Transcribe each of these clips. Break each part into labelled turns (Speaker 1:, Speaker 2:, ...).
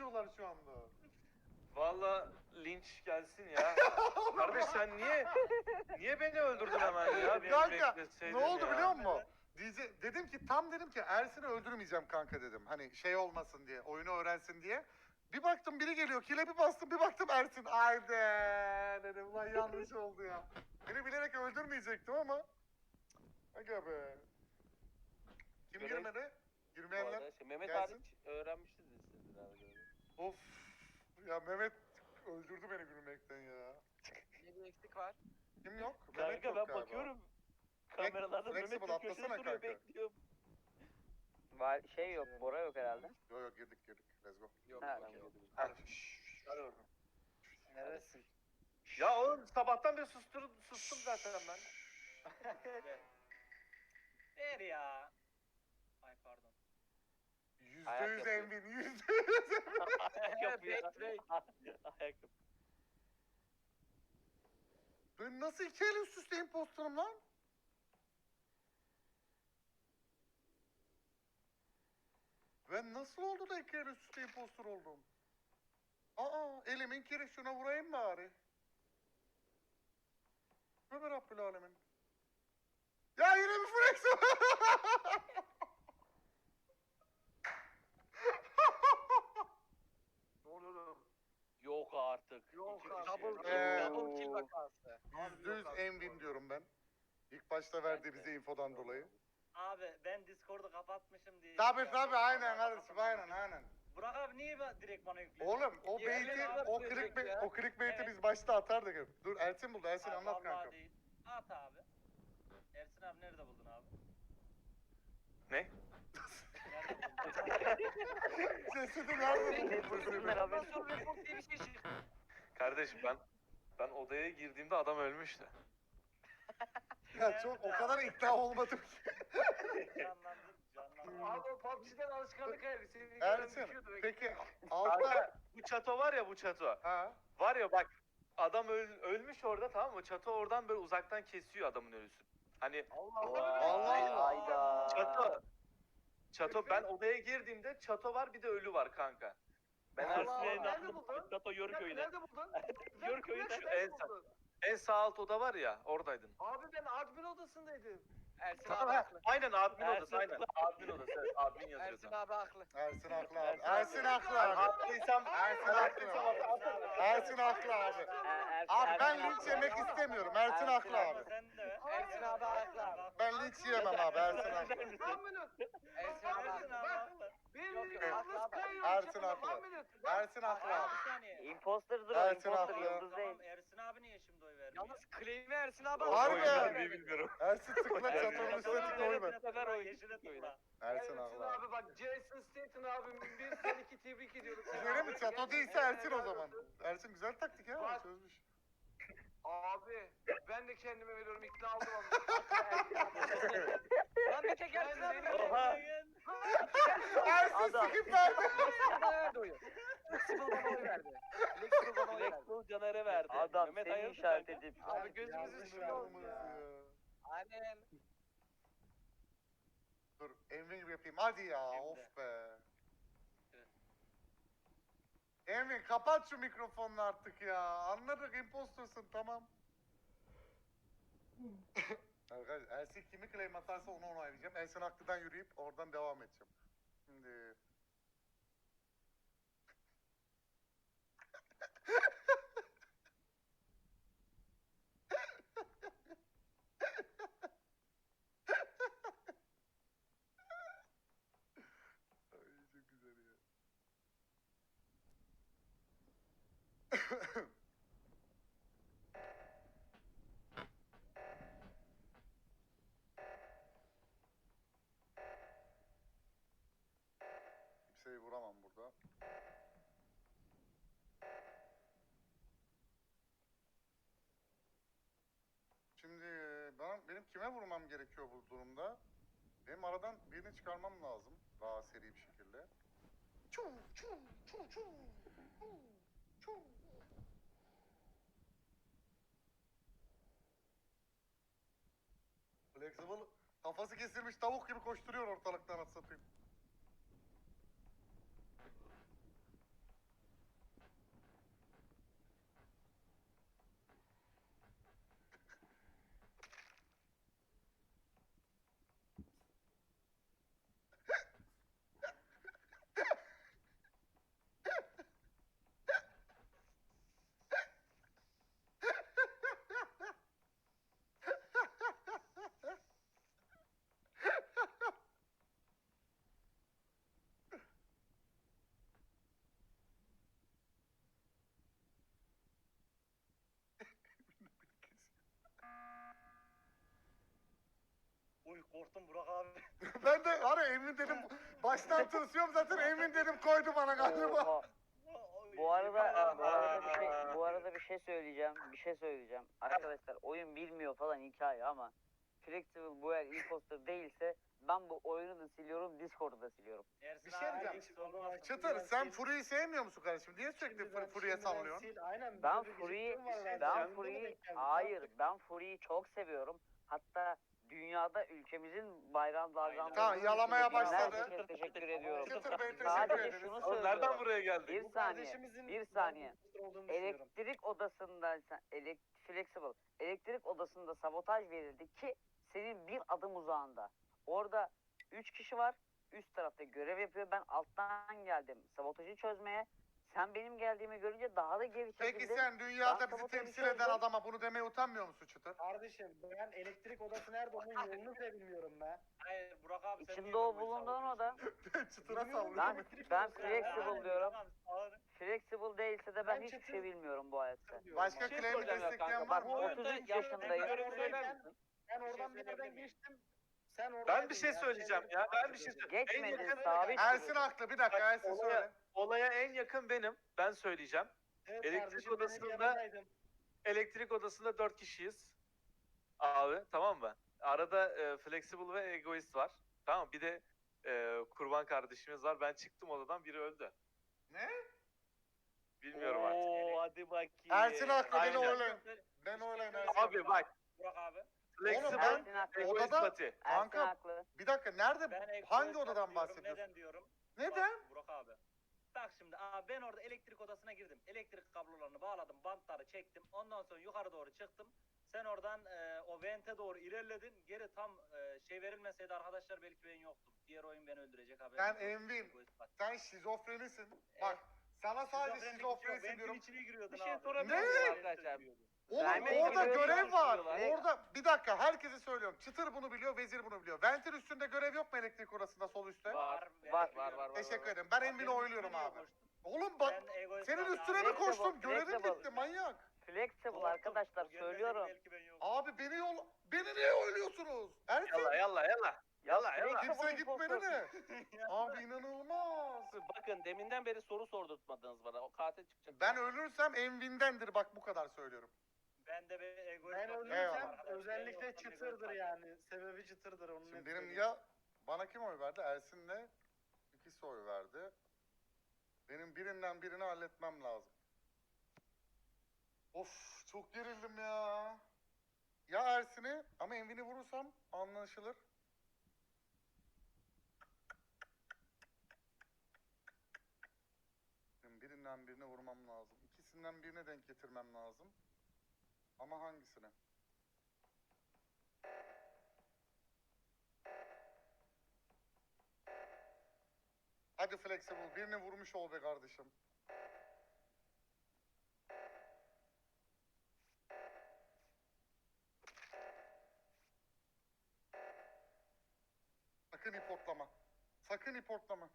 Speaker 1: yaşıyorlar şu anda.
Speaker 2: Valla linç gelsin ya. Kardeş sen niye beni öldürdün hemen ya? Beni
Speaker 1: Kanka
Speaker 2: bekleseydin
Speaker 1: ne oldu
Speaker 2: ya.
Speaker 1: biliyor musun? Dedim ki Ersin'i öldürmeyeceğim kanka dedim. Hani şey olmasın diye, oyunu öğrensin diye. Bir baktım biri geliyor, kile bir bastım, bir baktım Ersin. Haydi dedim, ulan yanlış oldu ya. Beni bilerek öldürmeyecektim ama. Aga be. Kim
Speaker 3: Görev-
Speaker 1: girmedi?
Speaker 3: Bu
Speaker 1: Girmeyenler
Speaker 3: arada Mehmet
Speaker 1: gelsin.
Speaker 3: hariç öğrenmiştiniz siz herhalde.
Speaker 1: Of. Ya Mehmet öldürdü beni gülmekten ya.
Speaker 4: Bir eksik var.
Speaker 1: Kim yok? Mehmet
Speaker 3: Kanka
Speaker 1: yok
Speaker 3: ben
Speaker 1: galiba.
Speaker 3: bakıyorum. Kameralarda
Speaker 1: Flexible,
Speaker 3: Mehmet de köşede
Speaker 1: atlasana
Speaker 3: duruyor
Speaker 1: kanka.
Speaker 3: bekliyorum.
Speaker 5: Var şey yok, Bora yok herhalde.
Speaker 1: Yok girdik. Let's go.
Speaker 4: Yok.
Speaker 5: Ha,
Speaker 4: okey.
Speaker 1: Hadi.
Speaker 2: Hadi oradan.
Speaker 5: Neresin?
Speaker 2: Ya oğlum sabahtan beri sustum zaten ben.
Speaker 6: Ver ya. Ay pardon.
Speaker 3: Ayak
Speaker 1: %100
Speaker 3: yapıyor.
Speaker 1: Envin, %100.
Speaker 3: Ayak yapıyor.
Speaker 4: Backtrack.
Speaker 3: Ayak yapıyor.
Speaker 1: Ben nasıl 2 el üst üste imposterım lan? Ben nasıl oldu da 2 el üst üste imposter oldum? Aa, elimin kiri, şuna vurayım bari. Tövbe Rabbül Alemin. Ya yine bir flex.
Speaker 4: Ne oluyor oğlum?
Speaker 3: Yok artık.
Speaker 4: Yok
Speaker 3: İki
Speaker 4: abi.
Speaker 3: kişi.
Speaker 4: Double kill vakası.
Speaker 1: %100 Envin diyorum ben. İlk başta verdiği bize infodan dolayı.
Speaker 6: Abi ben Discord'u kapatmışım diye.
Speaker 1: Tabii aynen kardeşim aynen.
Speaker 6: Burak abi niye direkt bana yüklüyor?
Speaker 1: Oğlum o
Speaker 4: Yemin
Speaker 1: beyti,
Speaker 4: ederim
Speaker 1: o
Speaker 4: diyecek
Speaker 1: clickbait,
Speaker 4: ya.
Speaker 1: o clickbait'i
Speaker 6: Evet.
Speaker 1: biz başta atardık hep. Dur Ersin buldu, Ersin
Speaker 6: Abi,
Speaker 1: anlat
Speaker 6: vallahi
Speaker 1: kanka.
Speaker 6: değil. At abi. Ersin abi nerede buldun abi?
Speaker 2: Ne?
Speaker 6: Nerede buldun?
Speaker 1: Cesedi nerede
Speaker 5: Bunlar
Speaker 1: buldun?
Speaker 5: abi.
Speaker 4: Ondan sonra report diye bir şey çıktı.
Speaker 2: Kardeş ben odaya girdiğimde adam ölmüştü.
Speaker 1: Ya çok o kadar ikna olmadım ki.
Speaker 6: Canlandır.
Speaker 4: Abi o PUBG'den alışkanlık herhalde. Seni gören
Speaker 1: Ersin
Speaker 4: düşüyordu belki.
Speaker 1: peki altta
Speaker 2: Kanka bu çato var ya bu çato.
Speaker 1: ha
Speaker 2: Var ya bak adam ölmüş orada tamam mı? Çato oradan böyle uzaktan kesiyor adamın ölüsünü. Hani
Speaker 1: Allah.
Speaker 5: Hayda.
Speaker 2: Çato ben odaya girdiğimde çato var bir de ölü var kanka.
Speaker 3: Ben
Speaker 4: Allah Allah,
Speaker 3: Ersin'e
Speaker 4: nerede
Speaker 3: inandım.
Speaker 4: buldun?
Speaker 3: Tato Yörüköy'de.
Speaker 4: Nerede buldun?
Speaker 3: Yörüköy'de.
Speaker 4: Nerede buldun?
Speaker 2: En sağ alt oda var ya oradaydın.
Speaker 4: Abi ben admin odasındaydım.
Speaker 5: Ersin
Speaker 2: Tamam,
Speaker 5: abi
Speaker 2: ha,
Speaker 5: haklı.
Speaker 2: aynen admin
Speaker 3: Ersin
Speaker 2: odası aynen. Admin odası evet admin yazıyordu.
Speaker 5: Ersin abi haklı.
Speaker 1: Ersin haklı abi.
Speaker 3: Ersin
Speaker 1: Ersin haklı
Speaker 2: Ben
Speaker 1: abi.
Speaker 2: haklıysam
Speaker 1: Ersin haklı abi. Ersin haklı abi. Abi ben linç yemek istemiyorum. Ersin haklı abi.
Speaker 6: Sen de.
Speaker 5: Ersin abi haklı abi.
Speaker 1: Ben linç yiyemem abi. Ersin haklı.
Speaker 4: One minute.
Speaker 5: Ersin abi
Speaker 6: Ersin
Speaker 5: haklı.
Speaker 6: abi haklı.
Speaker 4: Benim
Speaker 5: Yok, yok,
Speaker 4: yalnız
Speaker 5: haklı abi.
Speaker 4: kayıyor.
Speaker 1: Ersin haklı.
Speaker 4: One minute. Bak,
Speaker 1: Ersin haklı abi.
Speaker 6: Bir saniye.
Speaker 5: Imposter'dır o,
Speaker 1: Ersin
Speaker 5: imposter,
Speaker 1: haklı.
Speaker 5: yıldız
Speaker 6: Tamam
Speaker 5: değil.
Speaker 6: Ersin abi niye şimdi oy vermiyor?
Speaker 4: Yalnız claim'i Ersin abi
Speaker 1: Harbi
Speaker 4: aldı.
Speaker 1: ya.
Speaker 2: ben bilmiyorum.
Speaker 1: Ersin tıkla
Speaker 2: Ersin
Speaker 1: çatanın
Speaker 2: haklı.
Speaker 1: üstüne tıkla oy ver.
Speaker 6: Bu sefer o yeşile tıkla.
Speaker 1: Ersin
Speaker 4: Ersin
Speaker 1: haklı abi.
Speaker 4: abi bak Jason Statham abim bir sen iki tebrik ediyorum.
Speaker 1: Öyle mi? Çato değilse Ersin o zaman. Ersin güzel taktik ya.
Speaker 4: Bak.
Speaker 1: Çözmüş.
Speaker 4: Abi ben de kendime veriyorum ikna oldum.
Speaker 5: Lan bir tek Ersin abi.
Speaker 3: Oha.
Speaker 1: Ersin
Speaker 5: Adam.
Speaker 1: skip verdi.
Speaker 4: Bana verdi oyu. Flexible bana oy verdi. Flexible bana oy verdi.
Speaker 3: Flexball Caner'e verdi.
Speaker 5: Adam
Speaker 3: Mehmet
Speaker 5: seni
Speaker 3: hayırdır
Speaker 5: işaret
Speaker 3: kanka?
Speaker 5: edip.
Speaker 4: Abi gözümüzün
Speaker 1: Yanlış
Speaker 4: üstünde oldu
Speaker 1: olmaz
Speaker 4: ya.
Speaker 1: ya.
Speaker 4: Aynen.
Speaker 1: Dur Envin yapayım hadi ya
Speaker 6: Şimdi.
Speaker 1: of be.
Speaker 6: Evet.
Speaker 1: Envin kapat şu mikrofonunu artık ya. Anladık impostorsun tamam. Arkadaşlar Ersin kimi claim atarsa onu onaylayacağım. Ersin haklıdan yürüyüp oradan devam edeceğim. Şimdi... Ay çok güzel ya. Kimseyi vuramam burada. Şimdi benim kime vurmam gerekiyor bu durumda? Benim aradan birini çıkarmam lazım daha seri bir şekilde. Çu çu çu çu çu çu. Flexible kafası kesilmiş tavuk gibi koşturuyor ortalıktan at satayım.
Speaker 6: Korktum Burak abi.
Speaker 1: Ben de var ya Emin dedim baştan tırsıyorum zaten Emin dedim koydu bana galiba.
Speaker 5: Oha. Bu arada bir şey söyleyeceğim. Bir şey söyleyeceğim. Arkadaşlar oyun bilmiyor falan hikaye ama Flexible bu eğer imposter değilse ben bu oyunu da siliyorum, Discord'u da siliyorum.
Speaker 6: Ersin
Speaker 1: Bir şey
Speaker 6: abi,
Speaker 1: diyeceğim.
Speaker 6: hiç olmaz.
Speaker 1: Çıtır sen Fury'yi sevmiyor musun kardeşim? Niye sürekli Fury'ye sallıyorsun?
Speaker 4: Aynen.
Speaker 5: Ben
Speaker 4: bize bir
Speaker 5: Fury'yi
Speaker 4: geciktim var bence.
Speaker 5: ben
Speaker 4: Sen de
Speaker 5: Fury'yi
Speaker 4: denk geldin.
Speaker 5: hayır ben Fury'yi çok seviyorum. Hatta dünyada ülkemizin bayrağını dalgalandırdığınız
Speaker 1: Tamam, yalamaya
Speaker 5: için
Speaker 1: başladı.
Speaker 5: herkese teşekkür ediyorum.
Speaker 1: Çıtır Bey teşekkür
Speaker 5: Sadece
Speaker 1: ederiz.
Speaker 5: şunu
Speaker 2: Oğlum nereden
Speaker 5: söylüyorum.
Speaker 2: buraya geldik?
Speaker 5: Bir
Speaker 4: Bu
Speaker 5: saniye.
Speaker 4: kardeşimizin
Speaker 5: Bir saniye.
Speaker 4: imposter olduğunu düşünüyorum.
Speaker 5: Elektrik odasında Flexible. Elektrik odasında sabotaj verildi ki senin bir adım uzağında. Orada 3 kişi var. Üst tarafta görev yapıyor. Ben alttan geldim sabotajı çözmeye. Sen benim geldiğimi görünce daha da geri
Speaker 1: Peki
Speaker 5: çekildin.
Speaker 1: sen dünyada
Speaker 5: Ben
Speaker 1: bizi
Speaker 5: sabotajı
Speaker 1: temsil eden
Speaker 5: çözdüm.
Speaker 1: adama bunu demeye utanmıyor musun Çıtır?
Speaker 4: Kardeşim ben elektrik odası nerede onun yolunu bile bilmiyorum be.
Speaker 6: Hayır Burak abi sen
Speaker 5: İçinde
Speaker 6: niye
Speaker 5: o
Speaker 6: böyle
Speaker 5: bulunduğun oda.
Speaker 1: Çıtır'a
Speaker 4: Bilmiyorum.
Speaker 1: sallıyor.
Speaker 5: Ben
Speaker 4: Elektrik odası
Speaker 5: Flexible
Speaker 4: yani.
Speaker 5: diyorum.
Speaker 6: Tamam, sağ ol.
Speaker 5: Flexible değilse de ben
Speaker 4: Ben
Speaker 5: hiçbir
Speaker 4: çıtır-
Speaker 5: şey bilmiyorum bu hayatta.
Speaker 4: diyorum
Speaker 1: Başka
Speaker 4: abi.
Speaker 3: şey
Speaker 1: claim'i
Speaker 3: soracağım ya
Speaker 1: destekleyen
Speaker 3: kanka.
Speaker 1: var
Speaker 3: Bu
Speaker 1: mı?
Speaker 3: oyunda
Speaker 5: 33
Speaker 3: yaptığın
Speaker 5: yaşındayım.
Speaker 3: görevi söyler
Speaker 4: Ben-
Speaker 3: misin?
Speaker 4: Ben
Speaker 6: Bir şey
Speaker 4: oradan bir yerden
Speaker 6: söyleyebilir miyim?
Speaker 4: geçtim. Sen
Speaker 2: Ben
Speaker 4: oradaydın
Speaker 2: bir şey
Speaker 4: ya.
Speaker 2: söyleyeceğim
Speaker 4: Sen
Speaker 2: ya. Ben
Speaker 4: beni
Speaker 2: bir şey
Speaker 4: takip
Speaker 2: söyleyeceğim. En
Speaker 5: Geçmedin
Speaker 2: yakın,
Speaker 5: sabit.
Speaker 1: Ersin
Speaker 5: duruyorsun.
Speaker 1: haklı. Bir dakika Ersin
Speaker 2: olaya,
Speaker 1: söyle.
Speaker 2: olaya en yakın benim. Ben söyleyeceğim.
Speaker 4: Evet
Speaker 2: Elektrik
Speaker 4: kardeşim, benim
Speaker 2: odasında-
Speaker 4: yanımdaydın.
Speaker 2: Elektrik odasında 4 kişiyiz. Abi tamam mı? Arada Flexible ve Egoist var. Tamam, bir de kurban kardeşimiz var. Ben çıktım odadan, biri öldü.
Speaker 1: Ne?
Speaker 2: Bilmiyorum artık.
Speaker 3: Oo hadi bakayım.
Speaker 1: Ersin haklı beni
Speaker 2: Aynen.
Speaker 1: oylayın. Ben oylayın Ersin.
Speaker 2: Abi bak,
Speaker 6: Burak abi.
Speaker 2: Flexible,
Speaker 1: ben-
Speaker 5: Ersin haklı.
Speaker 2: Egoist
Speaker 1: Odada-
Speaker 2: Pati.
Speaker 5: Ersin
Speaker 1: Kanka,
Speaker 5: haklı.
Speaker 1: Bir dakika nerede?
Speaker 6: Ben Egoist
Speaker 1: Hangi
Speaker 6: Pati
Speaker 1: odadan
Speaker 6: diyorum.
Speaker 1: bahsediyorsun?
Speaker 6: Neden diyorum?
Speaker 1: Neden?
Speaker 6: Bak, Burak abi. Bak şimdi abi ben orada elektrik odasına girdim. Elektrik kablolarını bağladım, bantları çektim. Ondan sonra yukarı doğru çıktım. Sen oradan o vente doğru ilerledin. Geri tam şey verilmeseydi arkadaşlar belki ben yoktum. Diğer oyun beni öldürecek haberim.
Speaker 1: Ben
Speaker 6: yok.
Speaker 1: Envin.
Speaker 6: Egoist Pati.
Speaker 1: Sen şizofrenisin. Bak sana sadece
Speaker 6: Şizofrenlik
Speaker 1: şizofrenisin
Speaker 6: ventin
Speaker 1: diyorum.
Speaker 6: içine giriyordun
Speaker 3: Bir şey
Speaker 6: abi.
Speaker 3: sorabilir
Speaker 1: Ne?
Speaker 3: miyim arkadaşlar?
Speaker 1: Oğlum
Speaker 5: Vermeyi
Speaker 1: orada
Speaker 5: biliyor,
Speaker 1: görev var.
Speaker 3: diyorlar.
Speaker 1: Orada bir dakika herkese söylüyorum. Çıtır bunu biliyor, Vezir bunu biliyor. Ventil üstünde görev yok mu elektrik odasında sol üstte?
Speaker 3: Var,
Speaker 6: ben
Speaker 5: var,
Speaker 6: biliyorum.
Speaker 3: var.
Speaker 1: Teşekkür ederim. Ben Envin'i
Speaker 6: Benim
Speaker 1: oyluyorum
Speaker 6: üstüme
Speaker 1: abi.
Speaker 6: koştun.
Speaker 1: Oğlum bak
Speaker 6: Ben Egoist
Speaker 1: senin
Speaker 6: Pati
Speaker 1: üstüne
Speaker 6: abi.
Speaker 1: mi koştum?
Speaker 5: Flexible,
Speaker 1: Görevim
Speaker 5: flexible.
Speaker 1: bitti manyak.
Speaker 5: Flexible
Speaker 6: Korktum.
Speaker 5: arkadaşlar
Speaker 6: O gelmeseydi
Speaker 5: söylüyorum.
Speaker 6: belki ben yoktum.
Speaker 1: Abi beni niye oyluyorsunuz? Ersin
Speaker 2: Yalla yalla yalla. Yalla yalla.
Speaker 5: Flexible
Speaker 1: kimse gitmedi
Speaker 5: imposter.
Speaker 1: mi? Abi inanılmaz.
Speaker 3: Bakın deminden beri soru sordurtmadınız bana. O katil çıkacak.
Speaker 1: Ben ölürsem Envin'dendir bak bu kadar söylüyorum.
Speaker 6: Ben de bir Egoist
Speaker 4: Ben
Speaker 6: Pati
Speaker 4: ölürsem
Speaker 1: Eyvallah.
Speaker 4: özellikle
Speaker 6: Ben yoktum,
Speaker 4: çıtırdır
Speaker 6: Egoist Pati.
Speaker 4: yani. Sebebi çıtırdır onun.
Speaker 1: Şimdi
Speaker 4: net
Speaker 1: benim
Speaker 4: söyleyeyim.
Speaker 1: ya bana kim oy verdi? Ersin'le ikisi oy verdi. Benim birinden birini halletmem lazım. Of çok gerildim ya. Ya Ersin'i ama Envin'i vurursam anlaşılır. Benim birinden birini vurmam lazım. İkisinden birine denk getirmem lazım. Ama hangisine? Hadi Flexible birini vurmuş ol be kardeşim. Sakın iportlama. Sakın iportlama.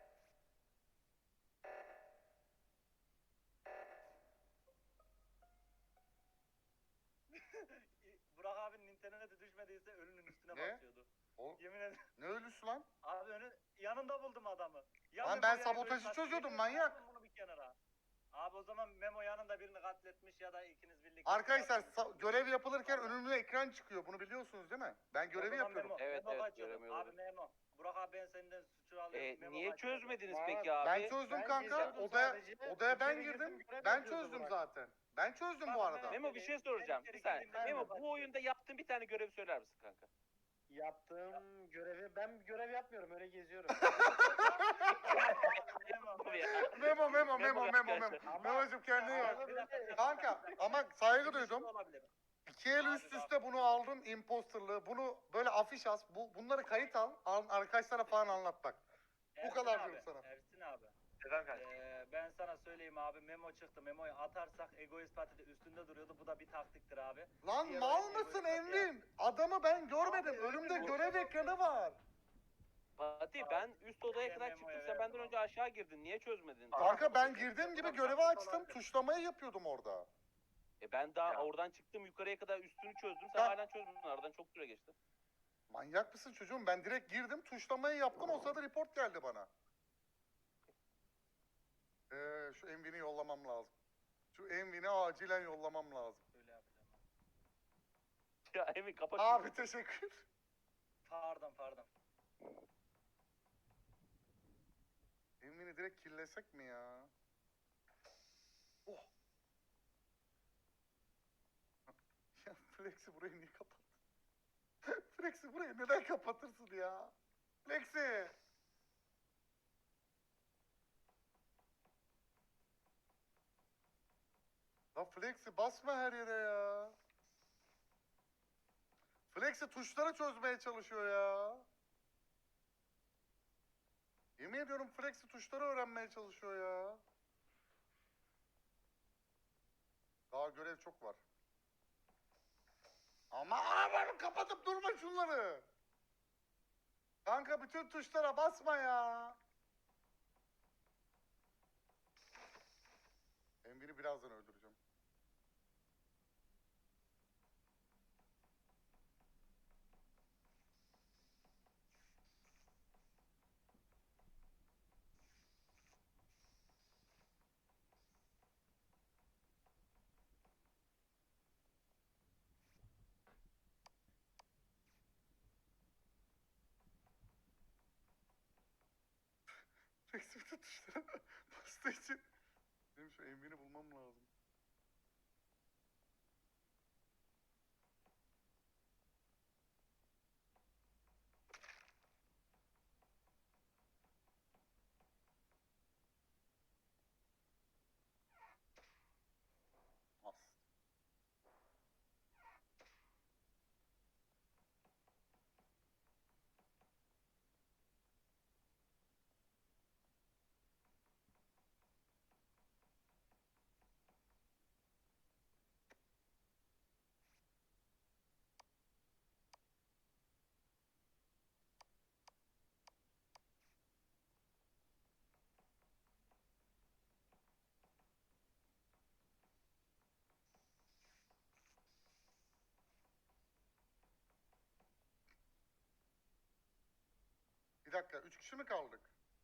Speaker 6: Burak abinin internete düşmediyse ölünün üstüne
Speaker 1: Ne?
Speaker 6: basıyordu.
Speaker 1: O,
Speaker 6: Yemin ederim.
Speaker 1: ne ölüsü lan?
Speaker 6: Abi yanında buldum adamı. Ya
Speaker 1: Lan
Speaker 6: Memo
Speaker 1: ben
Speaker 6: ya
Speaker 1: sabotajı
Speaker 6: Egoist Pati.
Speaker 1: çözüyordum,
Speaker 6: Yemin
Speaker 1: manyak.
Speaker 6: ederim bunu bir kenara. Abi o zaman Memo yanında birini katletmiş ya da ikiniz birlikte.
Speaker 1: Arkadaşlar görev yapılırken önümüze ekran çıkıyor. Bunu biliyorsunuz değil mi? Ben görevi yapıyorum.
Speaker 3: Evet,
Speaker 6: Memo
Speaker 3: evet,
Speaker 6: kaçıyordu.
Speaker 3: göremiyorum.
Speaker 6: Abi Memo. Burak abi ben senden suçu alıyorum. Memo
Speaker 3: Niye
Speaker 6: kaçıyordu.
Speaker 3: çözmediniz
Speaker 4: Var.
Speaker 3: peki abi?
Speaker 1: Ben çözdüm
Speaker 4: Ben
Speaker 1: kanka.
Speaker 4: geziyordum
Speaker 1: Odaya
Speaker 4: sadece.
Speaker 1: odaya ben
Speaker 4: İçeri
Speaker 1: girdim.
Speaker 4: girdim, görev
Speaker 1: Ben
Speaker 4: yapıyordu
Speaker 1: çözdüm
Speaker 4: Burak.
Speaker 1: zaten. Ben çözdüm bu
Speaker 6: Bak,
Speaker 1: arada.
Speaker 3: Memo bir şey soracağım. Bir saniye. Memo bu oyunda yaptığın bir tane görev söyler misin kanka?
Speaker 4: Yaptığım görevi ben görev yapmıyorum öyle geziyorum.
Speaker 3: Abi ya.
Speaker 1: Memo memo memo memo memo.
Speaker 3: arkadaşlar.
Speaker 1: Memo'cum kendine iyi bak.
Speaker 4: Ama böyle-
Speaker 1: Kanka ama saygı
Speaker 6: Bir şey
Speaker 1: duydum.
Speaker 6: olabilir.
Speaker 1: İki el
Speaker 6: Abi
Speaker 1: üst
Speaker 6: bak.
Speaker 1: üste bunu aldın imposterlığı. Bunu böyle afiş as. Bunları kayıt al. Arkadaşlara falan anlat bak.
Speaker 6: Ersin
Speaker 1: kadar
Speaker 6: abi,
Speaker 1: diyorum sana.
Speaker 6: Ersin abi.
Speaker 2: Neden kanka?
Speaker 6: Ben sana söyleyeyim abi Memo çıktı. Memo'yu atarsak Egoist Parti'de üstünde duruyordu. Bu da bir taktiktir abi.
Speaker 1: Lan
Speaker 6: Diğer
Speaker 1: mal
Speaker 6: oyun
Speaker 1: mısın
Speaker 6: Egoist Parti
Speaker 1: Envin? Adamı ben görmedim.
Speaker 6: Abi,
Speaker 1: Önümde
Speaker 6: öyle
Speaker 1: görev ekranı var.
Speaker 3: Fatih ben üst odaya
Speaker 6: Ben
Speaker 3: kadar
Speaker 6: Memo'ya
Speaker 3: çıktım. Sen benden
Speaker 6: verdim
Speaker 3: önce aşağı girdin. Niye çözmedin?
Speaker 1: Kanka ben girdiğim gibi görevi açtım. Tuşlamayı yapıyordum orada.
Speaker 3: Ben daha
Speaker 2: Ya.
Speaker 3: oradan çıktım yukarıya kadar üstünü çözdüm. Sen
Speaker 1: Ya.
Speaker 3: hala çözmedin. Aradan çok süre geçti.
Speaker 1: Manyak mısın çocuğum? Ben direkt girdim, tuşlamayı yaptım. O sırada report geldi bana. Şu Envin'i yollamam lazım. Şu Envin'i acilen yollamam lazım.
Speaker 6: Öyle yapacağım.
Speaker 3: Ya Emin kapat. şunu.
Speaker 1: Abi teşekkür.
Speaker 6: Pardon.
Speaker 1: Envin'i direkt killesek mi ya? Oh. Ya Flex'i burayı niye kapattın? Flex'i burayı neden kapatırsın ya? Flex'i! La Flex'i basma her yere ya. Flex'i tuşları çözmeye çalışıyor ya. Yemin ediyorum Flex'i tuşları öğrenmeye çalışıyor ya. Daha görev çok var. Ama abi kapatıp durma şunları. Kanka bütün tuşlara basma ya. Envin'i birazdan öldüreceğim. Flex'i bütün tuşlara bastığı için benim şu Envin'i bulmam lazım. As. Bir dakika, 3 kişi mi kaldık?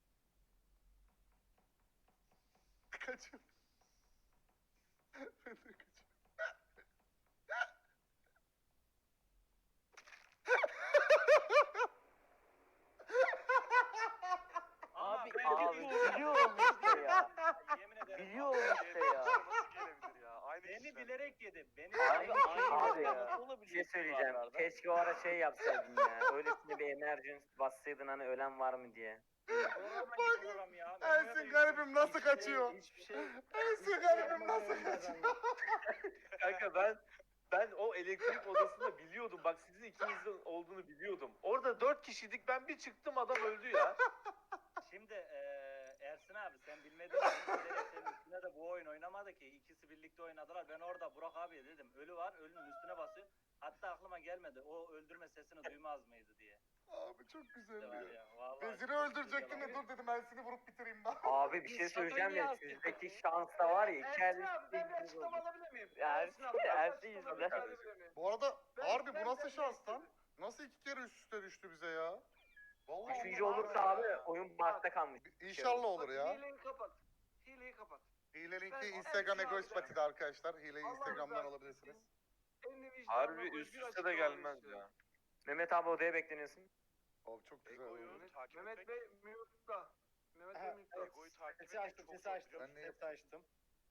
Speaker 1: Kaçın. Ben de kaçıyorum.
Speaker 3: Abi,
Speaker 5: Abi biliyorum işte ya.
Speaker 6: Yemin ederim.
Speaker 5: Biliyorum işte ya.
Speaker 2: Nasıl gelebilir ya? Aynı
Speaker 6: Beni
Speaker 2: kişiler.
Speaker 6: bilerek yedi. Beni
Speaker 5: Abi,
Speaker 6: bilerek
Speaker 5: abi
Speaker 6: yedi.
Speaker 5: ya.
Speaker 7: Bir şey söyleyeceğim. Keşke o ara şey yapsaydın ya. Öylesine bir emergency bassaydın hani ölen var mı diye.
Speaker 6: Program hangi program ya?
Speaker 1: Ersin garibim nasıl kaçıyor?
Speaker 4: Hiçbir şey.
Speaker 1: Ersin garibim nasıl kaçıyor?
Speaker 2: Kanka ben o elektrik odasında biliyordum. Bak sizin ikinizin olduğunu biliyordum. Orada 4 kişiydik. Ben bir çıktım adam öldü ya.
Speaker 6: Şimdi Ersin abi sen bilmediğin için bilerek senin üstüne de bu oyun oynamadı ki. İkisi birlikte oynadılar. Ben orada Burak abiye dedim. Ölü var. Ölünün üstüne basıyor. Hatta aklıma gelmedi. O öldürme sesini duymaz mıydı diye.
Speaker 1: Abi çok güzel
Speaker 6: Var
Speaker 1: ya.
Speaker 6: ya. Vallahi
Speaker 1: Veziri
Speaker 6: çok
Speaker 1: öldürecektim
Speaker 6: güzel
Speaker 1: de
Speaker 6: abi.
Speaker 1: dur dedim Ersin'i vurup bitireyim ben.
Speaker 7: Abi bir şey söyleyeceğim ya. Sizdeki şans da var ya. İki
Speaker 4: Ersin
Speaker 7: el
Speaker 4: abi ben bir açıklama alabilir miyim?
Speaker 7: Ersin
Speaker 4: abi, ben bir
Speaker 7: Ersin
Speaker 4: açıklama
Speaker 7: yüzünden.
Speaker 4: alabilir miyim?
Speaker 1: Bu arada
Speaker 4: Ben-
Speaker 1: harbi
Speaker 4: ben-
Speaker 1: bu nasıl
Speaker 4: ben-
Speaker 1: şans lan? Nasıl 2 kere üst üste düştü bize ya? Vallahi
Speaker 7: Üçüncü
Speaker 1: Allah
Speaker 7: olursa
Speaker 1: Allah.
Speaker 7: abi oyun bakta kalmış.
Speaker 1: İnşallah olur
Speaker 4: Bak,
Speaker 1: ya.
Speaker 4: Hileyi kapat. Hileyi kapat.
Speaker 1: Hilelinki
Speaker 4: Ben-
Speaker 1: Instagram
Speaker 4: Ersin
Speaker 1: Egoist
Speaker 4: abi de-
Speaker 1: Pati'de arkadaşlar. Hileyi
Speaker 4: Allah
Speaker 1: Instagram'dan
Speaker 4: rızası
Speaker 1: alabilirsiniz.
Speaker 4: Elini vicdanına
Speaker 2: Harbi
Speaker 4: koy,
Speaker 2: üst
Speaker 4: bir
Speaker 2: üste
Speaker 4: açıklama
Speaker 2: de gelmez
Speaker 4: istiyorum.
Speaker 2: ya.
Speaker 7: Mehmet abi odaya bekleniyorsun.
Speaker 1: Abi çok güzel oldu.
Speaker 4: Mehmet Bey mute'da. Mehmet Bey mute'da.
Speaker 8: Sesi açtım, sesi açtım,
Speaker 1: Ben ne
Speaker 8: sesi açtım.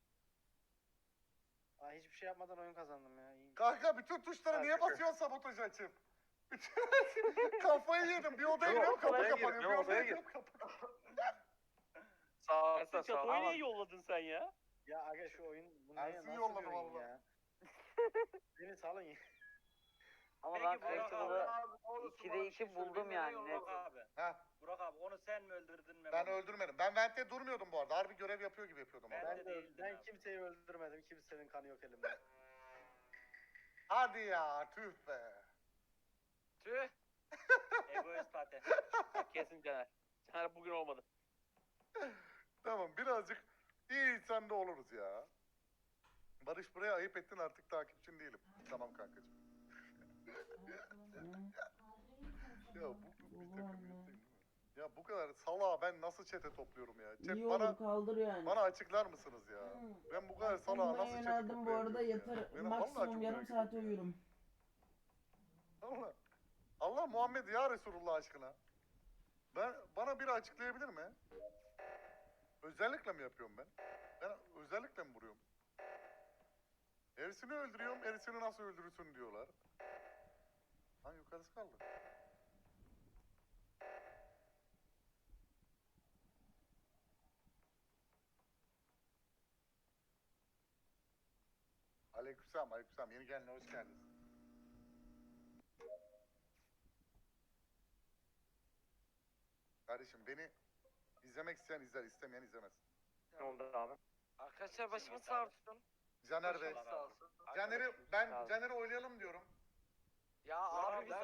Speaker 8: Aa, hiçbir şey yapmadan oyun kazandım ya. İyi.
Speaker 1: Kanka bütün tuşlara niye basıyorsun sabotajı açıp? Kafayı yedim. Bir odaya
Speaker 2: Yok,
Speaker 1: giriyorum kapı
Speaker 2: odaya gir,
Speaker 1: kapanıyor.
Speaker 2: ne
Speaker 1: Bir odaya
Speaker 2: odaya gir.
Speaker 1: giriyorum kapı.
Speaker 2: Sağ altta
Speaker 3: Ersin
Speaker 2: sağ
Speaker 3: Çato'yu niye
Speaker 2: altta.
Speaker 3: yolladın sen ya?
Speaker 8: Ya aga şu oyun bu ne
Speaker 1: Ersin
Speaker 8: nasıl
Speaker 1: yolladı
Speaker 8: bir oyun
Speaker 1: vallahi.
Speaker 8: ya? Beni salın ya.
Speaker 5: Ama
Speaker 6: Peki
Speaker 5: ben
Speaker 6: Burak
Speaker 5: Flexible'ı
Speaker 4: Abi, oğlum,
Speaker 5: 2'de
Speaker 4: bana bir
Speaker 5: 2
Speaker 4: şey söyle,
Speaker 5: buldum
Speaker 4: beni
Speaker 5: yani.
Speaker 4: yolla.
Speaker 5: Net.
Speaker 6: Burak abi.
Speaker 1: Heh,
Speaker 6: Burak abi onu sen mi öldürdün Mehmet?
Speaker 1: ben öldürmedim. Ben vent'te durmuyordum bu arada. Harbi görev yapıyor gibi yapıyordum
Speaker 6: Ben
Speaker 1: orada.
Speaker 6: de
Speaker 8: Ben,
Speaker 6: değildim
Speaker 8: ben
Speaker 6: abi.
Speaker 8: kimseyi öldürmedim. Kimsenin kanı yok elimde.
Speaker 1: Hadi ya tüh be.
Speaker 3: Tüh.
Speaker 6: Egoist pate.
Speaker 3: Kesin Caner. Caner bugün olmadı.
Speaker 1: Tamam birazcık iyi insan da oluruz ya. Barış buraya ayıp ettin artık takipçin değilim. Tamam kankacığım. Ya bu bir takım değil mi? Ya bu kadar salağa ben nasıl çete topluyorum ya? Chat
Speaker 9: İyi
Speaker 1: bana
Speaker 9: olur kaldır yani.
Speaker 1: bana açıklar mısınız ya? Ben bu kadar salağa
Speaker 9: Uyumaya
Speaker 1: nasıl çete
Speaker 9: yöneldim bu arada,
Speaker 1: toplayabiliyorum ya?
Speaker 9: yatar
Speaker 1: Benim vallahi
Speaker 9: maksimum
Speaker 1: çok
Speaker 9: yarım
Speaker 1: merak
Speaker 9: saat
Speaker 1: ediyorum ya.
Speaker 9: uyurum.
Speaker 1: Allah. Allah Muhammed ya Resulullah aşkına. Bana biri açıklayabilir mi? Özellikle mi yapıyorum ben? Ben özellikle mi vuruyorum? Ersin'i öldürüyorum, Ersin'i nasıl öldürürsün diyorlar. Ha yukarısı kaldı. Aleykümselam, aleykümselam. Yeni geldin, hoş geldiniz. Kardeşim beni izlemek isteyen izler, istemeyen izlemez.
Speaker 7: Ne oldu abi?
Speaker 4: Arkadaşlar başımız sağ olsun.
Speaker 1: Caner Bey.
Speaker 6: Allah razı olsun.
Speaker 1: Caner'i oylayalım diyorum.
Speaker 4: Ya abi biz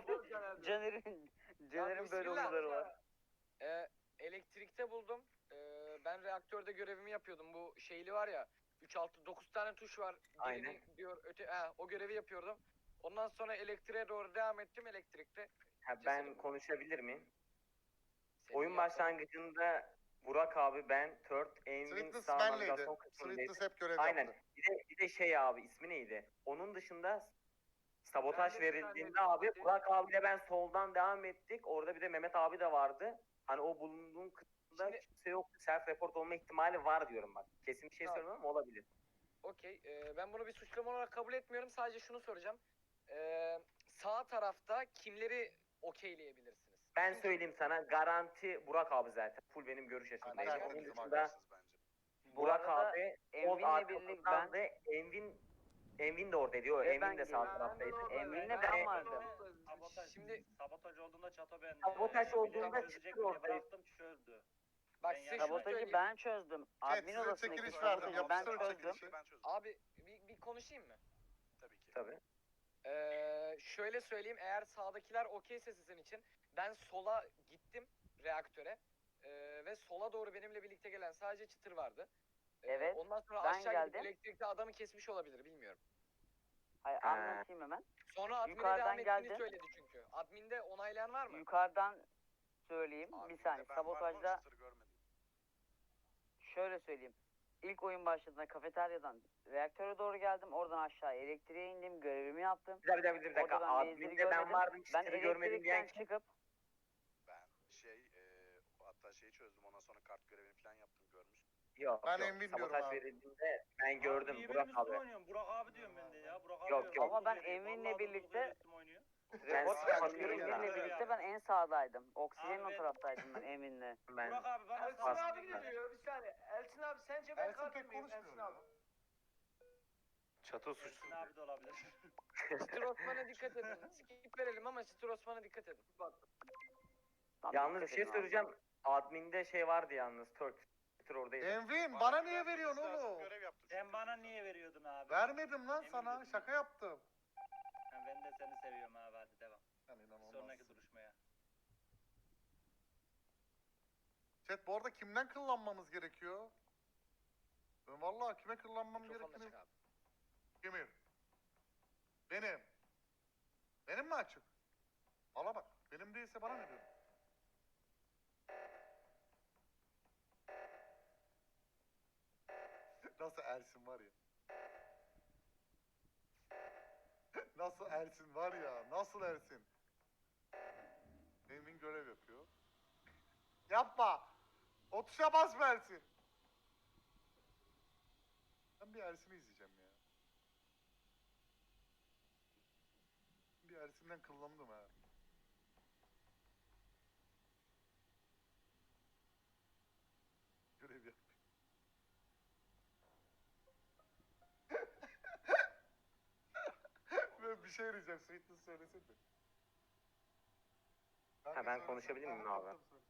Speaker 5: Caner'in böyle
Speaker 4: bismillah.
Speaker 5: huyları var.
Speaker 4: Elektrikte buldum. Ben reaktörde görevimi yapıyordum. Bu şeyli var ya. 3 6 9 tane tuş var.
Speaker 7: Aynen.
Speaker 4: Birini diyor o görevi yapıyordum. Ondan sonra elektriğe doğru devam ettim elektrikte.
Speaker 7: Ben
Speaker 4: Cesedim.
Speaker 7: konuşabilir miyim?
Speaker 4: Senin
Speaker 7: Oyun
Speaker 4: yaptığın-
Speaker 7: başlangıcında Burak abi, ben, Tört, Envin
Speaker 1: Sweetness
Speaker 7: sağ
Speaker 1: benleydi.
Speaker 7: navigasyon kısmındaydı.
Speaker 1: Sweetness hep görev
Speaker 7: Aynen.
Speaker 1: yaptı.
Speaker 7: Bir de şey abi, ismi neydi? Onun dışında sabotaj
Speaker 4: Ben de
Speaker 7: verildiğinde
Speaker 4: sen
Speaker 7: abi
Speaker 4: dedin.
Speaker 7: Burak abiyle ben soldan devam ettik. Orada bir de Mehmet abi de vardı. Hani o bulunduğun kısımda
Speaker 4: Şimdi-
Speaker 7: kimse yok. Self report olma ihtimali var diyorum bak. Kesin bir şey
Speaker 4: Tamam.
Speaker 7: söylemiyorum ama olabilir.
Speaker 4: Okey. Ben bunu bir suçlama olarak kabul etmiyorum. Sadece şunu soracağım. Sağ tarafta kimleri okeyleyebilirsiniz?
Speaker 7: Ben
Speaker 4: Çünkü-
Speaker 7: söyleyeyim sana, garanti Burak abi zaten. Full benim görüş açımdaydı.
Speaker 1: Aynen,
Speaker 7: Onun
Speaker 1: bizim
Speaker 7: dışında
Speaker 1: arkadaşız bence.
Speaker 5: Bu
Speaker 7: Burak
Speaker 5: arada
Speaker 7: abi
Speaker 5: Envin'le birlikte ben,
Speaker 7: Envin de oradaydı. O
Speaker 5: Ve
Speaker 7: Envin
Speaker 5: ben
Speaker 7: de sağ
Speaker 5: girdim.
Speaker 7: taraftaydı.
Speaker 5: Envin'le
Speaker 7: Ben-
Speaker 5: ben vardım.
Speaker 4: Şimdi
Speaker 6: Sabotaj olduğunda Çato ben
Speaker 7: Sabotaj olduğunda
Speaker 6: çözecek
Speaker 7: çıktı
Speaker 6: diye
Speaker 7: ortaya.
Speaker 6: bıraktım çözdü.
Speaker 4: bak
Speaker 6: Ben
Speaker 4: size
Speaker 6: yani-
Speaker 4: şunu
Speaker 5: Sabotajı
Speaker 4: söyleyeyim.
Speaker 5: ben çözdüm. Admin
Speaker 1: size
Speaker 5: odasındaki
Speaker 1: çekiliş verdim.
Speaker 5: sabotajı ben
Speaker 1: Yapıştırın
Speaker 5: çözdüm.
Speaker 1: çekilişi.
Speaker 4: Abi bir konuşayım mı?
Speaker 7: Tabii.
Speaker 4: Şöyle söyleyeyim, eğer sağdakiler okeyse sizin için, ben sola gittim reaktöre ve sola doğru benimle birlikte gelen sadece çıtır vardı.
Speaker 5: Evet,
Speaker 4: Ondan sonra
Speaker 5: ben
Speaker 4: aşağı gidip
Speaker 5: geldim.
Speaker 4: elektrikte adamı kesmiş olabilir, bilmiyorum.
Speaker 5: Hayır,
Speaker 7: Ha.
Speaker 5: anlatayım hemen.
Speaker 4: Sonra admine
Speaker 5: Yukarıdan
Speaker 4: devam ettiğini
Speaker 5: geldim.
Speaker 4: söyledi çünkü. Adminde onaylayan var mı?
Speaker 5: Yukarıdan söyleyeyim. Bir saniye. Sabotajda şöyle söyleyeyim. İlk oyun başladığında kafeteryadan reaktöre doğru geldim. Oradan aşağı elektriğe indim. Görevimi yaptım.
Speaker 7: Bir dakika.
Speaker 5: Orada ben Beyzir'i
Speaker 7: Admin'de
Speaker 5: görmedim.
Speaker 7: ben vardım.
Speaker 5: Ben
Speaker 7: Çıtırı görmedim diyen
Speaker 5: elektrikten
Speaker 7: kim?
Speaker 5: çıkıp
Speaker 10: Hatta şeyi çözdüm, ondan sonra kart görevini falan yaptım, görmüş.
Speaker 7: Yok.
Speaker 1: Ben
Speaker 7: yok.
Speaker 1: Envin diyorum
Speaker 7: Sabotaj
Speaker 1: abi.
Speaker 7: verildiğinde ben gördüm
Speaker 6: Niye
Speaker 7: Burak
Speaker 6: benim üstüme
Speaker 7: abi.
Speaker 6: oynuyorsun? Burak abi diyorum ben de ya. Burak abi
Speaker 7: Yok,
Speaker 6: diyorum.
Speaker 7: yok.
Speaker 5: Ama ben
Speaker 6: Vallahi
Speaker 5: Envin'le
Speaker 6: durduk
Speaker 5: birlikte-
Speaker 6: yere üstüme oynuyor.
Speaker 5: report
Speaker 7: Sen
Speaker 5: yaptım.
Speaker 7: bakıyorum ya.
Speaker 5: Emin'le birlikte ben en sağdaydım. Oksijenin
Speaker 6: Abi
Speaker 5: o
Speaker 6: ben-
Speaker 5: taraftaydım ben Emin'le.
Speaker 7: Ben
Speaker 6: Burak abi bana
Speaker 4: Elçin
Speaker 7: Bas-
Speaker 4: abi geliyor, bir saniye. Elçin abi sence ben
Speaker 1: Ersin
Speaker 4: katil
Speaker 1: pek
Speaker 4: miyim?
Speaker 1: konuşmuyor
Speaker 4: Elçin
Speaker 1: ya.
Speaker 4: abi.
Speaker 2: Çato
Speaker 6: Ersin
Speaker 2: suçsuz.
Speaker 6: abi de olabilir.
Speaker 4: Çıtır Osman'a dikkat edin. Skip verelim ama Çıtır Osman'a dikkat edin.
Speaker 5: Tamam,
Speaker 7: yalnız bir
Speaker 5: dikkat
Speaker 7: şey
Speaker 5: edin abi.
Speaker 7: söyleyeceğim. Admin'de şey vardı yalnız. Tört oradaydı.
Speaker 1: Envin bana niye veriyorsun oğlum?
Speaker 10: Görev yaptım.
Speaker 6: Sen bana niye veriyordun abi?
Speaker 1: Vermedim lan
Speaker 6: Emin
Speaker 1: sana.
Speaker 6: misin?
Speaker 1: Şaka yaptım.
Speaker 6: Ha, ben de seni seviyorum abi, hadi devam.
Speaker 1: Yani inanılmaz.
Speaker 6: Sonraki duruşmaya.
Speaker 1: Chat bu arada kimden kıllanmamız gerekiyor? Ben vallahi kime kıllanmam
Speaker 4: Mikrofonla
Speaker 1: gerektiğini...
Speaker 4: çık abi.
Speaker 1: Kimin? Benim. Benim mi açık? Valla bak. Benim değilse bana ne diyorsun? Nasıl Ersin var ya? Nasıl Ersin var ya? Nasıl Ersin? Emin görev yapıyor. Yapma! O tuşa basma Ersin! Ben bir Ersin'i izleyeceğim ya. Bir Ersin'den kıllandım ha. Görev yap. Ben bir şey diyeceğim. Sweetness söylesin de.
Speaker 7: Ha, ben konuşabilir miyim abi?
Speaker 1: Tabii, söyle.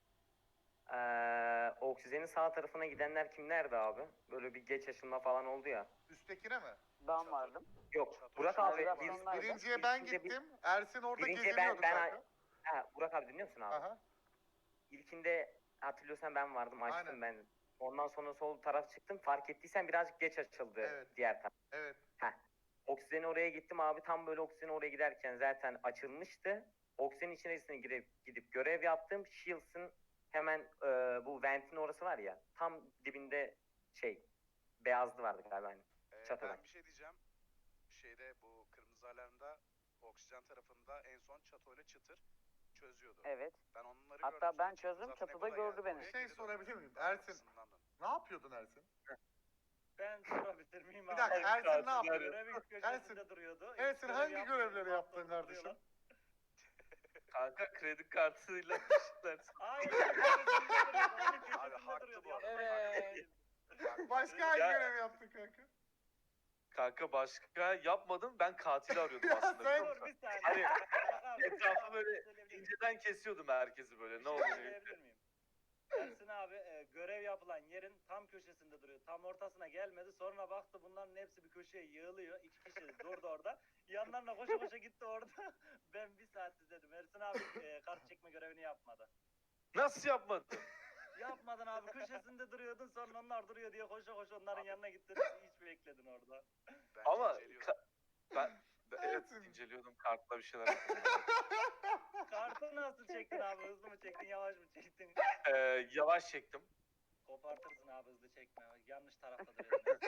Speaker 7: Oksijenin sağ tarafına gidenler kimlerdi abi? Böyle bir geç açılma falan oldu ya.
Speaker 1: Üsttekine mi?
Speaker 5: Ben vardım.
Speaker 7: Yok. Burak abi
Speaker 5: Navigasyonlar-
Speaker 7: biz
Speaker 1: Birinciye ben
Speaker 7: ilkinde
Speaker 1: gittim. Ersin orada
Speaker 7: Birinciye
Speaker 1: geziniyordu
Speaker 7: ben-
Speaker 1: kanka.
Speaker 7: Burak abi dinliyor musun abi?
Speaker 1: Aha.
Speaker 7: İlkinde hatırlıyorsan ben vardım, açtım
Speaker 1: Aynen.
Speaker 7: ben. Ondan sonra sol taraf çıktım. Fark ettiysen birazcık geç açıldı
Speaker 1: Evet.
Speaker 7: diğer taraf.
Speaker 1: Evet.
Speaker 7: Oksijeni oraya gittim abi. Tam böyle oksijeni oraya giderken zaten açılmıştı. Oksijenin içerisine gidip görev yaptım. Shields'ın hemen bu ventin orası var ya. Tam dibinde beyazlı vardı galiba. Hani. Çatıda.
Speaker 10: Ben bir şey diyeceğim. Şeyde bu kırmızı alarmda oksijen tarafında en son çatoyla çıtır çözüyordu.
Speaker 5: Evet.
Speaker 10: Ben onları
Speaker 5: Hatta
Speaker 10: gördüm.
Speaker 5: ben
Speaker 10: sonra çıktım.
Speaker 5: çözdüm,
Speaker 10: Zaten
Speaker 5: çatıda
Speaker 10: Ego da
Speaker 5: gördü
Speaker 10: geldi.
Speaker 5: beni.
Speaker 10: Oraya
Speaker 1: Bir şey
Speaker 10: geri
Speaker 1: sorabilir
Speaker 10: döndüm.
Speaker 1: miyim? Ersin,
Speaker 10: Arkasından döndüm.
Speaker 1: ne yapıyordun Ersin?
Speaker 6: Ben sorabilir miyim
Speaker 1: Bir
Speaker 6: abi?
Speaker 1: dakika, Ersin ne yapıyor?
Speaker 6: Görevin köşesinde duruyordu.
Speaker 1: Ersin
Speaker 6: Hiç
Speaker 1: hangi
Speaker 6: görev
Speaker 1: görevleri
Speaker 6: yapmıyordu.
Speaker 1: yaptın kardeşim?
Speaker 6: Duruyorlar.
Speaker 2: Kanka kredi kartıyla işler.
Speaker 6: Hayır. Onun köşesinde
Speaker 10: Abi haklı
Speaker 6: duruyordu.
Speaker 10: bu arada.
Speaker 4: Evet.
Speaker 1: Başka hangi
Speaker 2: Ya-
Speaker 1: görev yaptın kanka?
Speaker 2: Kanka başka yapmadım. Ben katili arıyordum
Speaker 1: Ya
Speaker 2: aslında.
Speaker 1: sen-
Speaker 2: biliyor
Speaker 6: Dur
Speaker 2: musun?
Speaker 6: bir saniye.
Speaker 2: Hani
Speaker 6: Bak abi,
Speaker 2: etrafı böyle
Speaker 6: söyleyebilir miyim?
Speaker 2: inceden kesiyordum herkesi böyle.
Speaker 6: Bir
Speaker 2: Ne
Speaker 6: şey
Speaker 2: oluyor?
Speaker 6: söyleyebilir miyim? Ersin abi görev yapılan yerin tam köşesinde duruyor. Tam ortasına gelmedi. Sonra baktı bunların hepsi bir köşeye yığılıyor. İki kişi durdu orada. Yanlarına koşa koşa gitti orada. Ben bir saat izledim. Ersin abi kart çekme görevini yapmadı.
Speaker 2: Nasıl yapmadın?
Speaker 6: Yapmadın abi. Köşesinde duruyordun. Sonra onlar duruyor diye koşa koşa onların yanına gittin. Hiç bekledin orada.
Speaker 10: Bence
Speaker 2: Ama
Speaker 10: inceliyorum.
Speaker 2: evet
Speaker 1: Ersin.
Speaker 2: inceliyordum kartla bir şeyler yapıyordum.
Speaker 6: Kartı nasıl çektin abi? Hızlı mı çektin? Yavaş mı çektin?
Speaker 2: Yavaş çektim.
Speaker 6: Kopartırsın abi hızlı çekme. Yanlış tarafta duruyorsun.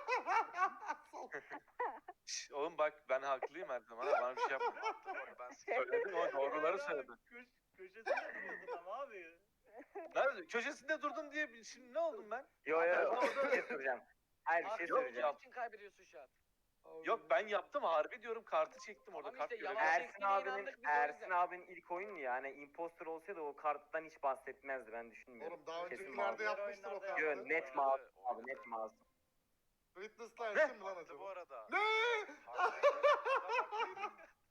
Speaker 2: Şş, oğlum bak ben haklıyım her zaman. Bana bir şey yapma.
Speaker 10: Haklı bu arada, ben
Speaker 2: Söyledim ama doğruları söyledim.
Speaker 6: Köşesinde duruyordun ama abi.
Speaker 2: Nerede? Köşesinde durdum diye şimdi ne oldum ben?
Speaker 7: Yo
Speaker 2: Ben
Speaker 7: yo bir
Speaker 2: orada-
Speaker 7: şey soracağım. Hayır bir şey
Speaker 4: Abi
Speaker 2: yok
Speaker 7: söyleyeceğim.
Speaker 2: ya.
Speaker 4: için kaybediyorsun şu an.
Speaker 2: Yok ben yaptım harbi diyorum kartı çektim orada
Speaker 4: Tamam
Speaker 2: kart
Speaker 4: işte,
Speaker 2: görevi.
Speaker 4: yavaş
Speaker 2: yaptım.
Speaker 7: Ersin
Speaker 4: çektiğine
Speaker 7: abinin
Speaker 4: inandık biz o
Speaker 7: Ersin
Speaker 4: yüzden.
Speaker 7: abinin ilk oyunu yani imposter olsaydı o karttan hiç bahsetmezdi ben düşünmüyorum.
Speaker 1: Oğlum daha
Speaker 7: Kesin
Speaker 1: öncekilerde
Speaker 7: mavi.
Speaker 1: yapmıştır o
Speaker 6: Oyunlarda
Speaker 1: kartı.
Speaker 7: Yo
Speaker 6: yaptı.
Speaker 7: net mavi abi net mavi.
Speaker 1: Witness'la Ersin mi lan
Speaker 10: Haklı bu
Speaker 1: acaba?
Speaker 10: arada.
Speaker 1: Ne?
Speaker 10: Haklıydı. Adam haklıydı.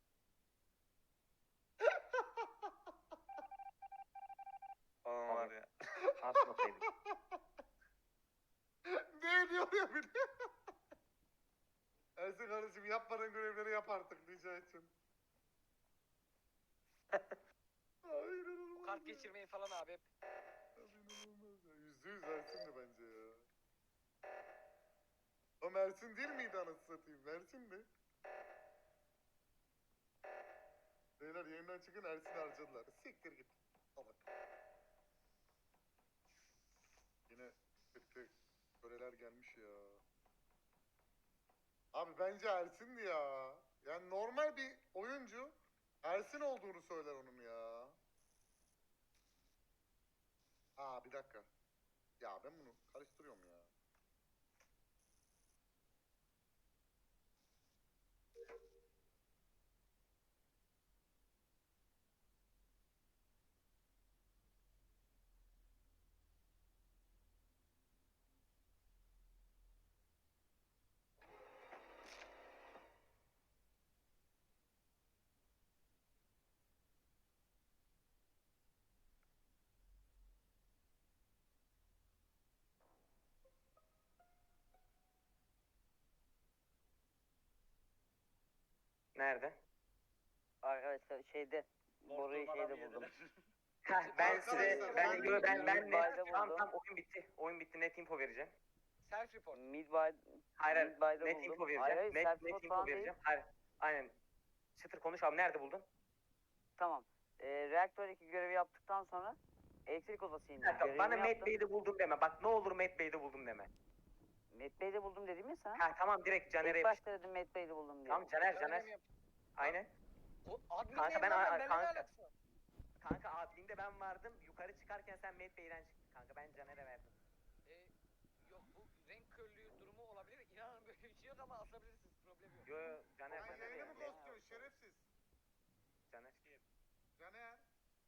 Speaker 2: Aa, var ya.
Speaker 7: Atmasaydık.
Speaker 1: Ne diyor ya bir de? Ersin kardeşim yapmadığın görevleri yap artık rica için. Hayır
Speaker 4: Bu kart geçirmeyi falan abi hep.
Speaker 1: İnanılmaz ya. %100 Ersin'di bence ya. O Mersin değil miydi anasını satayım? Mersin'di. Beyler yayından çıkın Ersin harcadılar. Siktir git. Salak. Yine kötü köreler gelmiş ya. Abi bence Ersin'di ya. Yani normal bir oyuncu Ersin olduğunu söyler onun ya. Aa bir dakika. Ya ben bunu karıştırıyorum ya.
Speaker 7: Nerede?
Speaker 5: Arkadaşlar Boru'yu
Speaker 6: Korktuğum adamı
Speaker 5: şeyde buldum.
Speaker 6: yediler.
Speaker 7: Heh, ben size
Speaker 1: Arkadaşlar,
Speaker 7: ben
Speaker 5: Midbay'da
Speaker 7: net tamam
Speaker 5: buldum.
Speaker 7: tamam oyun bitti net info vereceğim.
Speaker 4: Self report.
Speaker 5: Midbay,
Speaker 7: Hayır
Speaker 5: Midbay'da
Speaker 7: net
Speaker 5: buldum.
Speaker 7: info
Speaker 5: Hayır,
Speaker 7: vereceğim.
Speaker 5: hayır,
Speaker 7: Net
Speaker 5: self-report
Speaker 7: info
Speaker 5: falan değil.
Speaker 7: vereceğim. Hayır aynen. Çıtır konuş abi nerede buldun?
Speaker 5: Tamam. Reaktör 2 görevi yaptıktan sonra elektrik odası indim.
Speaker 7: Bir dakika,
Speaker 5: Görevimi
Speaker 7: bana Matt
Speaker 5: yaptım.
Speaker 7: Bey'de buldum deme. Bak ne olur Matt Bey'de buldum deme.
Speaker 5: Matt Bey'de buldum dedim ya sana.
Speaker 7: Ha tamam direkt Caner'e
Speaker 5: İlk
Speaker 7: yapış.
Speaker 5: başta dedim Matt Bey'de buldum diye.
Speaker 7: Tamam Caner.
Speaker 4: Görevimi yap-
Speaker 7: Aynen.
Speaker 4: O admin
Speaker 7: Kanka,
Speaker 4: ben
Speaker 7: ben-
Speaker 4: benimle ne
Speaker 7: kanka.
Speaker 4: alakası var?
Speaker 7: Kanka adminde ben vardım. Yukarı çıkarken sen Matt Bey'den çıktın kanka. Ben Caner'e verdim.
Speaker 4: E, yok bu renk körlüğü durumu olabilir. İnanın böyle bir şey yok ama asabilirsiniz. Problem yok.
Speaker 7: Yo yo Caner
Speaker 1: Sen
Speaker 7: Caner
Speaker 1: yayını mı
Speaker 7: yani.
Speaker 1: ghostluyorsun şerefsiz?
Speaker 7: Caner.
Speaker 1: Caner.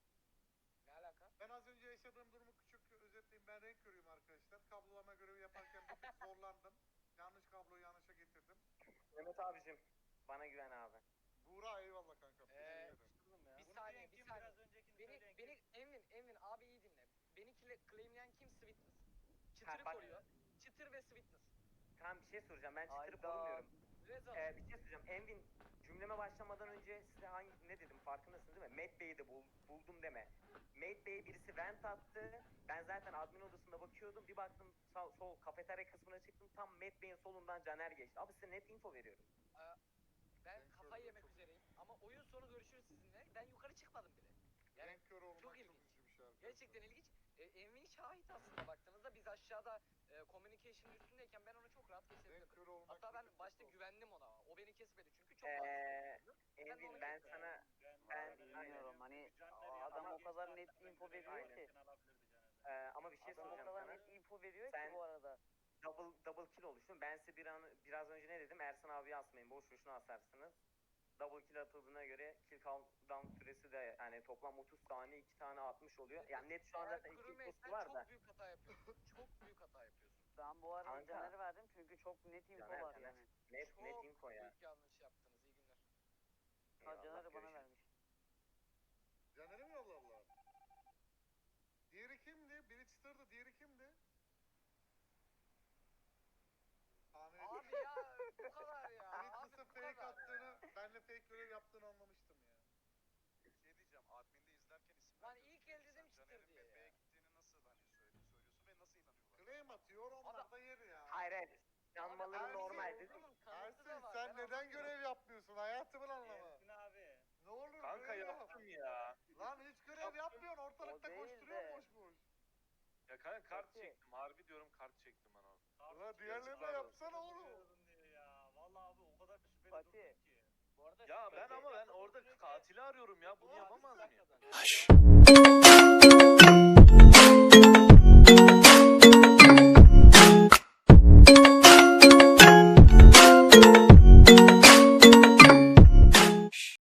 Speaker 4: Ne alaka?
Speaker 1: Ben az önce yaşadığım durumu küçük özetleyeyim. Ben renk körüyüm arkadaşlar. Kablolama görevi yaparken bir tık zorlandım. Yanlış kabloyu yanlışa getirdim.
Speaker 7: Mehmet abicim bana güven abi.
Speaker 1: Buğra eyvallah kankam. Teşekkür ederim.
Speaker 4: Bir
Speaker 6: Bunu
Speaker 4: saniye,
Speaker 6: diyen
Speaker 4: bir
Speaker 6: kim?
Speaker 4: saniye.
Speaker 6: Biraz öncekini söyleyen kim?
Speaker 4: Envin abi iyi dinle. Beni claimleyen kim? Sweetness.
Speaker 7: Ha,
Speaker 4: Çıtırı
Speaker 7: bak-
Speaker 4: koruyor. Çıtır ve Sweetness.
Speaker 7: Tamam bir şey soracağım. Ben çıtırı
Speaker 5: Hayda.
Speaker 7: korumuyorum.
Speaker 4: Rezon.
Speaker 7: Bir şey soracağım. Envin cümleme başlamadan önce size ne dedim farkındasınız değil mi? Matt Bey'i de buldum deme. Matt Bey'e birisi vent attı. Ben zaten admin odasında bakıyordum. Bir baktım sol kafeterya kısmına çıktım. Tam Matt Bey'in solundan Caner geçti. Abi size net info veriyorum.
Speaker 4: Ben
Speaker 1: Ben
Speaker 4: kafayı
Speaker 1: körüm,
Speaker 4: yemek
Speaker 1: çok-
Speaker 4: üzereyim ama oyun sonu görüşürüz sizinle. Ben yukarı çıkmadım bile. Yani
Speaker 1: Renk körü olmak
Speaker 4: çok
Speaker 1: çok
Speaker 4: ilginç.
Speaker 1: üzücü bir şey arkadaşlar.
Speaker 4: Gerçekten ilginç. Envy şahit aslında baktığınızda biz aşağıda communication üstündeyken ben onu çok rahat
Speaker 1: Renk
Speaker 4: kesebilirdim.
Speaker 1: körü olmak
Speaker 4: Hatta
Speaker 1: bir
Speaker 4: ben
Speaker 1: tık
Speaker 4: başta
Speaker 1: kötü.
Speaker 4: güvendim ona. O beni kesmedi çünkü çok rahat kesebilirdim.
Speaker 7: Envin ben sana
Speaker 5: Bilmiyorum hani
Speaker 6: Caner
Speaker 5: adam
Speaker 6: yanına
Speaker 5: o kadar
Speaker 6: geçti
Speaker 5: net
Speaker 6: hatta, ben
Speaker 5: info
Speaker 6: görevi
Speaker 5: veriyor ki.
Speaker 6: yaparken alabilirdi Caner'den.
Speaker 7: ama bir şey
Speaker 5: Adam o
Speaker 7: soracağım
Speaker 5: kadar
Speaker 7: sana.
Speaker 5: net info veriyor
Speaker 7: Sen-
Speaker 5: ki bu arada.
Speaker 7: Double kill oluştun. Ben size biraz önce ne dedim? Ersan abiyi asmayın. Boş boşuna asarsınız. Double kill atıldığına göre kill countdown süresi de yani toplam 30 saniye 2 tane atmış oluyor. Yani net şu an zaten 2
Speaker 4: Crewmate'den
Speaker 7: var da.
Speaker 4: çok büyük hata yapıyorsun. Çok büyük hata yapıyorsun.
Speaker 5: Ben bu arada
Speaker 7: Kanka.
Speaker 5: Caner'e verdim çünkü çok net info
Speaker 7: Caner,
Speaker 5: var
Speaker 7: Caner.
Speaker 5: yani.
Speaker 7: Net
Speaker 4: Çok
Speaker 7: info ya.
Speaker 4: büyük yanlış yaptınız. İyi günler.
Speaker 5: Ha
Speaker 7: Eyvallah,
Speaker 5: Caner'e bana
Speaker 7: görüşürüz.
Speaker 5: vermiş.
Speaker 1: Caner'e mi yolladılar? Diğeri kimdi? Biri çıtırdı, diğeri kimdi? Tahmin edeyim.
Speaker 4: Abi ya bu kadar ya.
Speaker 1: Biri
Speaker 4: Abi
Speaker 1: çıtır
Speaker 4: bu
Speaker 1: fake
Speaker 4: kadar
Speaker 1: attığını,
Speaker 4: ya.
Speaker 1: benle fake görev yaptığını anlamıştım ya.
Speaker 10: Bir şey diyeceğim. Admin'de izlerken isim
Speaker 4: Lan
Speaker 10: vermiyorsun.
Speaker 4: ilk el
Speaker 10: Peki
Speaker 4: dedim
Speaker 10: sen
Speaker 4: çıtır
Speaker 10: Caner'in
Speaker 4: diye
Speaker 10: Bebe'ye
Speaker 4: ya.
Speaker 10: gittiğini nasıl hani söylüyorsun ve nasıl inanıyorlar?
Speaker 1: Claim atıyor, onlar da yer ya.
Speaker 7: Hayır hayır. Yanmaları
Speaker 1: Ersin,
Speaker 7: normal
Speaker 4: Ersin,
Speaker 7: dedim.
Speaker 4: kanıtı da
Speaker 1: Ersin
Speaker 4: var,
Speaker 1: sen
Speaker 4: ben
Speaker 1: neden
Speaker 4: anlamıyorum.
Speaker 1: görev yapmıyorsun? Hayatımın anlamı.
Speaker 6: Ersin abi.
Speaker 1: Ne olur
Speaker 2: Kanka
Speaker 1: görev yap.
Speaker 2: yaptım ya.
Speaker 1: Lan hiç görev yapmıyorsun, ortalıkta
Speaker 5: O değil
Speaker 1: koşturuyorsun
Speaker 5: de.
Speaker 1: boş boş.
Speaker 2: Ya kanka kart
Speaker 5: Peki.
Speaker 2: çektim. Harbi diyorum kart çektim ben orada.
Speaker 1: Ulan diğerlerine
Speaker 2: yazıklar olsun.
Speaker 1: yapsana oğlum.
Speaker 6: Diyor ya. Vallahi abi o kadar şüpheli
Speaker 5: Fatih.
Speaker 6: durdum ki.
Speaker 3: Bu arada
Speaker 2: Ya
Speaker 3: şüpheli
Speaker 2: ben ama ben
Speaker 3: yapmadığım
Speaker 2: orada
Speaker 3: sürece
Speaker 2: katili arıyorum ya. Bunu
Speaker 6: Abi
Speaker 2: yapamaz
Speaker 6: sen
Speaker 2: mıyım?
Speaker 6: kazandın.